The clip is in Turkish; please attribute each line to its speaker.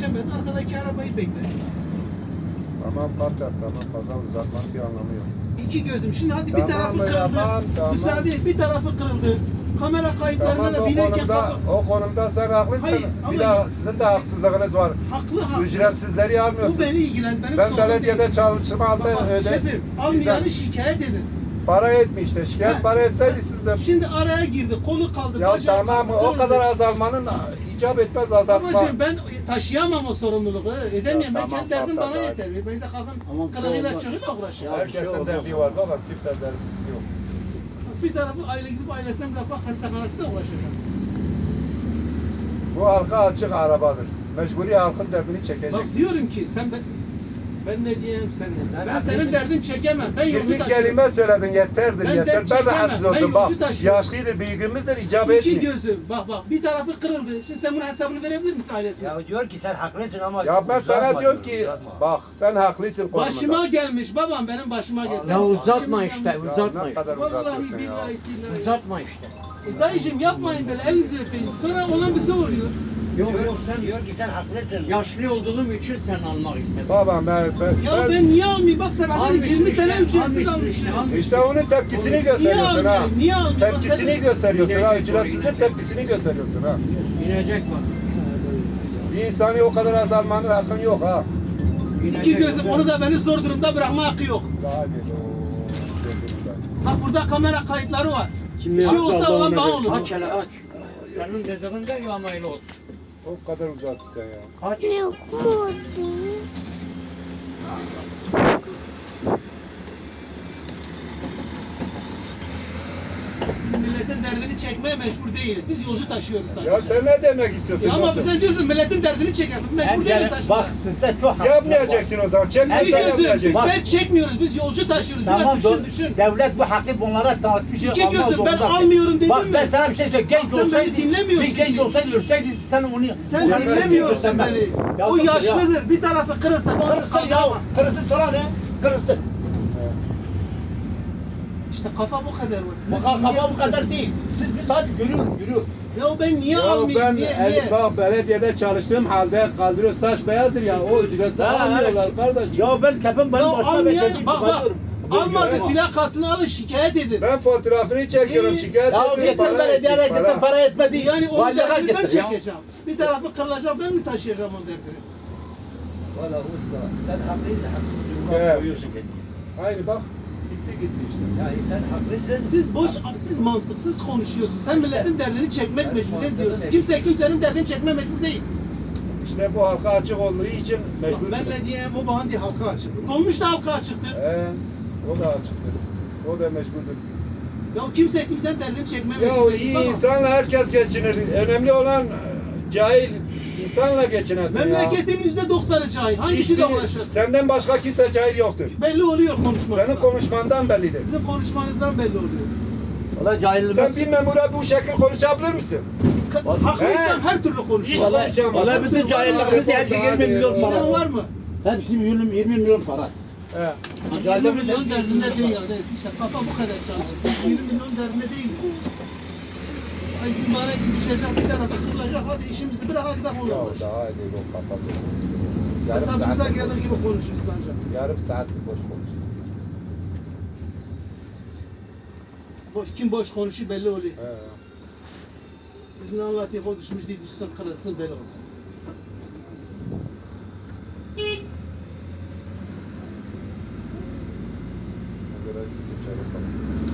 Speaker 1: yetişemedi. Arkadaki arabayı bekler.
Speaker 2: Tamam patlat, tamam fazla uzatmanın bir anlamı yok.
Speaker 1: İki gözüm. Şimdi hadi bir
Speaker 2: Tamam
Speaker 1: tarafı
Speaker 2: be,
Speaker 1: kırıldı.
Speaker 2: tamam.
Speaker 1: Müsaade et. Bir tarafı kırıldı. Kamera kayıtlarında
Speaker 2: Tamam
Speaker 1: da binerken
Speaker 2: o konumda sen haklısın.
Speaker 1: Hayır, ama
Speaker 2: Bir daha sizin de haksızlığınız var.
Speaker 1: haklı.
Speaker 2: Ücretsizleri almıyorsunuz.
Speaker 1: Bu beni ilgilen. Benim
Speaker 2: Ben
Speaker 1: sorunum
Speaker 2: belediyede
Speaker 1: değil.
Speaker 2: çalışma aldım
Speaker 1: Bak,
Speaker 2: öde.
Speaker 1: şefim, almayanı şikayet edin.
Speaker 2: Para etmiyor işte. Şikayet
Speaker 1: Ha.
Speaker 2: para etseydi siz de.
Speaker 1: Şimdi araya girdi. Kolu kaldı.
Speaker 2: Ya
Speaker 1: bacağı
Speaker 2: tamam
Speaker 1: kaldı,
Speaker 2: o
Speaker 1: kırıldı.
Speaker 2: kadar azalmanın icap etmez azaltma.
Speaker 1: Babacığım ben taşıyamam o sorumluluğu. Edemiyorum.
Speaker 2: Ya
Speaker 1: Ben
Speaker 2: tamam,
Speaker 1: kendi derdim
Speaker 2: tamam,
Speaker 1: bana
Speaker 2: hadi.
Speaker 1: yeter. Ben de kalkın
Speaker 3: Ama bir şey
Speaker 1: kırığıyla
Speaker 3: olmaz.
Speaker 1: çocukla uğraşıyorum.
Speaker 2: Herkesin derdi var. Bakın kimse derdisiz yok.
Speaker 1: Bir tarafı aile gidip ailesine bir defa hastanesine uğraşacağım.
Speaker 2: Bu halka açık arabadır. Mecburi halkın derdini
Speaker 1: Bak
Speaker 2: çekeceksin.
Speaker 1: diyorum ki ben ne diyeyim sen ne? Ben senin derdin çekemem. Ben yolcu
Speaker 2: 20
Speaker 1: taşıyorum.
Speaker 2: kelime söyledin yeterdir
Speaker 1: Ben
Speaker 2: yeter.
Speaker 1: dert
Speaker 2: Ben
Speaker 1: çekemem,
Speaker 2: rahatsız
Speaker 1: ben
Speaker 2: oldum bak.
Speaker 1: yolcu taşıyorum.
Speaker 2: Yaşlıydır, büyüğümüzdür icap
Speaker 1: İki
Speaker 2: etmiyor.
Speaker 1: gözüm. Bak bir tarafı kırıldı. Şimdi sen bunun hesabını verebilir misin ailesine?
Speaker 4: Ya diyor ki sen haklısın ama
Speaker 2: Ya ben sana
Speaker 4: uzatma
Speaker 2: diyorum
Speaker 4: diyor,
Speaker 2: ki
Speaker 4: uzatma.
Speaker 2: bak sen haklısın konumunda.
Speaker 1: Başıma gelmiş babam benim başıma gelsin.
Speaker 3: Ya uzatma
Speaker 1: İçimiz
Speaker 3: işte,
Speaker 1: yanmış.
Speaker 3: uzatma
Speaker 2: ne
Speaker 3: işte.
Speaker 2: kadar
Speaker 1: Vallahi
Speaker 2: uzatıyorsun ya.
Speaker 1: billahi billahi.
Speaker 3: Uzatma işte.
Speaker 1: Dayıcım yapmayın böyle elinizi öpeyim. Sonra olan bize oluyor.
Speaker 3: Yok yok sen
Speaker 4: Diyor ki sen haklısın.
Speaker 3: yaşlı olduğum için sen almak istedin.
Speaker 2: Babam
Speaker 1: Ya ben niye almayayım? Bak sabahları
Speaker 3: Almışsın
Speaker 1: 20
Speaker 3: işte,
Speaker 1: tane ücretsiz
Speaker 3: almışsın
Speaker 1: almışım.
Speaker 3: işte, almışsın.
Speaker 2: işte onun tepkisini gösteriyorsun ha.
Speaker 1: almayayım? Niye almayayım?
Speaker 2: Tepkisini
Speaker 1: Sen-
Speaker 2: gösteriyorsun ha.
Speaker 3: Gidecek,
Speaker 2: Ücretsizin
Speaker 3: gidecek.
Speaker 2: tepkisini gösteriyorsun ha.
Speaker 3: İnecek bak.
Speaker 2: Bir insani o kadar azalmanın hakkın yok ha.
Speaker 1: İki gözüm onu da beni zor durumda bırakma hakkı yok.
Speaker 2: Daha değil o.
Speaker 1: Bak burada kamera kayıtları var. Bir şey olsa olan bana olur.
Speaker 3: Aç hele aç. Senin dediğin de yamayla olsun.
Speaker 2: O kadar uzattı sen ya.
Speaker 3: Aç.
Speaker 1: Biz milletin derdini çekmeye mecbur değiliz. Biz yolcu taşıyoruz sadece.
Speaker 2: Ya sen ne demek istiyorsun?
Speaker 1: Ya ama
Speaker 2: dostum?
Speaker 1: sen diyorsun milletin derdini çekersin. Mecbur değiliz taşımaya.
Speaker 4: Bak sizde çok haksızlık
Speaker 2: Yapmayacaksın o zaman.
Speaker 1: İki
Speaker 2: Çekmezsen
Speaker 1: gözüm biz
Speaker 2: yapmayacaksın.
Speaker 1: dert çekmiyoruz. Biz yolcu taşıyoruz. Biraz
Speaker 4: Tamam
Speaker 1: düşün.
Speaker 4: devlet bu hakkı bunlara dağıtmış.
Speaker 1: İki
Speaker 4: almaz
Speaker 1: gözüm, ben
Speaker 4: zorundasın.
Speaker 1: almıyorum dedim
Speaker 4: Bak
Speaker 1: mi?
Speaker 4: ben sana bir şey söyleyeyim. Genç
Speaker 1: Bak sen beni
Speaker 4: olsaydı,
Speaker 1: dinlemiyorsun
Speaker 4: bir genç
Speaker 1: ki.
Speaker 4: olsaydı ölseydi sen onu...
Speaker 1: Sen
Speaker 4: onu
Speaker 1: dinlemiyorsun
Speaker 4: öldürsen ben.
Speaker 1: beni.
Speaker 4: Ya
Speaker 1: O
Speaker 4: dur ya.
Speaker 1: yaşlıdır. Bir tarafı kırılsa onu
Speaker 4: Kırısı ya.
Speaker 1: kaldıramam.
Speaker 4: Kırısı sonra ne? Kırısı.
Speaker 1: İşte kafa bu kadar var. Sizin
Speaker 4: Kafa bu kadar değil. Siz bir saat yürüyün.
Speaker 1: Ya ben niye
Speaker 2: Ya
Speaker 1: almayayım?
Speaker 2: ben
Speaker 1: Niye?
Speaker 2: bak belediyede çalıştığım halde kaldırıyor saç beyazdır ya o ücretsiz almıyorlar kardeş.
Speaker 4: Ya ben kefim benim
Speaker 1: Ya
Speaker 4: başıma
Speaker 1: almayayım.
Speaker 4: beklediğim
Speaker 1: Bak
Speaker 4: çıkarıyorum.
Speaker 1: almadı
Speaker 2: Ama-
Speaker 1: plakasını alın şikayet edin.
Speaker 2: Ben fotoğrafını çekiyorum
Speaker 1: İyi.
Speaker 2: şikayet
Speaker 4: Ya
Speaker 2: ediyorum.
Speaker 4: getir
Speaker 2: para
Speaker 4: belediyeye
Speaker 2: ettik,
Speaker 4: getir para etmedi.
Speaker 1: Yani onu
Speaker 4: Valide
Speaker 1: derdini ben
Speaker 4: getir ya.
Speaker 1: çekeceğim. Bir tarafı kırılacak ben mi taşıyacağım o derdini?
Speaker 4: Valla usta sen haklısın haksız
Speaker 2: Evet.
Speaker 4: durumda koyuyorsun kendini.
Speaker 2: Aynı bak gitti işte.
Speaker 4: Yani sen haklısın.
Speaker 1: Siz mantıksız konuşuyorsunuz. Sen milletin derdini çekmek mecbur
Speaker 4: mantıklı
Speaker 1: diyorsun.
Speaker 4: değil.
Speaker 1: Kimse kimsenin derdini çekme mecbur değil.
Speaker 2: İşte bu halka açık olduğu için
Speaker 1: Bak
Speaker 2: mecbursun.
Speaker 1: ben ne diyeyim o bana diye halka açık. Dolmuş da halka açıktır.
Speaker 2: O da açıktır. O da mecburdur.
Speaker 1: Ya kimse kimsenin derdini çekme
Speaker 2: Ya
Speaker 1: mecbur
Speaker 2: iyi
Speaker 1: Tamam.
Speaker 2: insanla herkes geçinir. Önemli olan cahil insanla geçinesin ya.
Speaker 1: Memleketin %90'ı cahil. Hangisiyle
Speaker 2: Hiçbiri-
Speaker 1: uğraşırsın?
Speaker 2: Senden başka kimse cahil yoktur.
Speaker 1: Belli oluyor konuşmanızdan.
Speaker 2: Senin konuşmandan bellidir.
Speaker 1: Sizin konuşmanızdan belli oluyor.
Speaker 4: Valla cahillik.
Speaker 2: Sen bir memura bu şekil konuşabilir misin?
Speaker 1: Haklıysam her türlü
Speaker 2: Hiç
Speaker 1: konuşurum.
Speaker 2: konuşamazsın.
Speaker 4: Vallahi bütün cahillikimiz hepsi 20 milyon para.
Speaker 1: İnan var mı?
Speaker 4: Hepsi 20 milyon para.
Speaker 2: He.
Speaker 1: 20 milyon derdinde değil yani. İşte kafa bu kadar çalışıyor. 20 milyon derdinde değil. Ay siz bana düşecek bir tarafa kırılacak. Hadi işimizi bırak hadi gidelim
Speaker 2: Ya
Speaker 1: onunla.
Speaker 2: daha iyi o kapalı.
Speaker 1: Hesabınıza geldiği gibi konuşursun ancak.
Speaker 2: Yarım saatlik boş konuşsun.
Speaker 1: Kim boş konuşuyor belli oluyor.
Speaker 2: He.
Speaker 1: Biz ne anlatıyor o düşmüş değil düşsen kırılsın belli olsun.
Speaker 2: Göre geçelim bakalım.